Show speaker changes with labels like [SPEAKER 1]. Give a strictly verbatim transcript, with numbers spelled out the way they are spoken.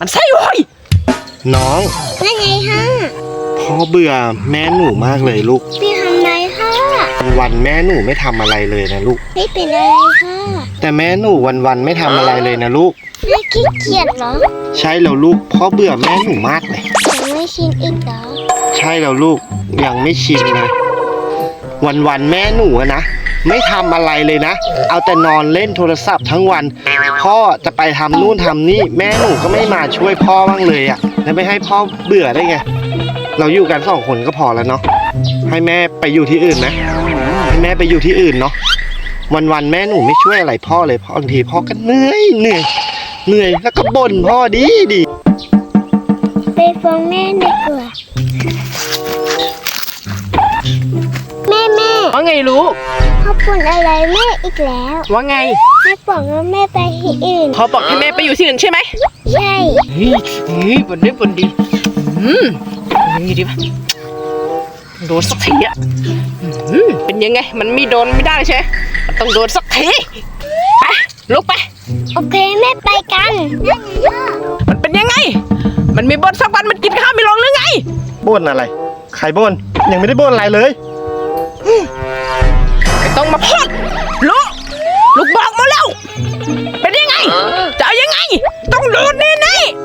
[SPEAKER 1] มันไส้โว้ย
[SPEAKER 2] น้อง
[SPEAKER 3] ว่าไงฮะ
[SPEAKER 2] พ่อเบื่อแม่หนูมากเลยลูก
[SPEAKER 3] พี่ทำไรคะ
[SPEAKER 2] วันแม่หนูไม่ทำอะไรเลยนะลูก
[SPEAKER 3] ไม่เป็นอะไรค่ะ
[SPEAKER 2] แต่แม่หนูวันๆไม่ทำอะไรเลยนะลูก
[SPEAKER 3] ไม่ขี้เกียจเหรอ
[SPEAKER 2] ใช่แล้วลูกพ่อเบื่อแม่หนูมากเลย
[SPEAKER 3] ยังไม่ชินอีกเหรอ
[SPEAKER 2] ใช่แล้วลูกยังไม่ชินเลยวันๆแม่หนูนะไม่ทำอะไรเลยนะเอาแต่นอนเล่นโทรศัพท์ทั้งวันพ่อจะไปทำนู่นทำนี่แม่หนูก็ไม่มาช่วยพ่อบ้างเลยอ่ะแล้วไม่ให้พ่อเบื่อได้ไงเราอยู่กันสองคนก็พอแล้วเนาะให้แม่ไปอยู่ที่อื่นนะให้แม่ไปอยู่ที่อื่นเนาะวันๆแม่หนูไม่ช่วยอะไรพ่อเลยบางทีพ่อก็เหนื่อยเหนื่อยเหนื่อยแล้วก็บ่นพ่อดีดี
[SPEAKER 3] ไปฟ้องแม่ดีกว่าแม่แม่
[SPEAKER 1] ว่าไงลูก
[SPEAKER 3] พ่อบ่นอะไรแม่อีกแล้ว
[SPEAKER 1] ว่าไง
[SPEAKER 3] แม่บอกว่าแม่ไปที่อื่น
[SPEAKER 1] พ่อบอกให้แม่ไปอยู่ที่อื่นใช่ไหม
[SPEAKER 3] ใช่
[SPEAKER 1] เฮ้ยเฮ้ยบ่นได้บ่นดีอืมยังไงดีวะโดนสักทีอ่ะอืมเป็นยังไงมันไม่โดนไม่ได้ใช่ไหมมันต้องโดนสักทีไปลุกไป
[SPEAKER 3] โอเคแม่ไปกัน
[SPEAKER 1] มันเป็นยังไงมันมีบ่นสักวันมันกินข้าวไม่ลงหรือไง
[SPEAKER 2] บ่นอะไรใครบ่นยังไม่ได้บ่นอะไรเลย
[SPEAKER 1] ไม่ต้องมาพูดลูกลูกบอกมาแล้วเป็นยังไงจะเอายังไงต้องโดนแน่ๆ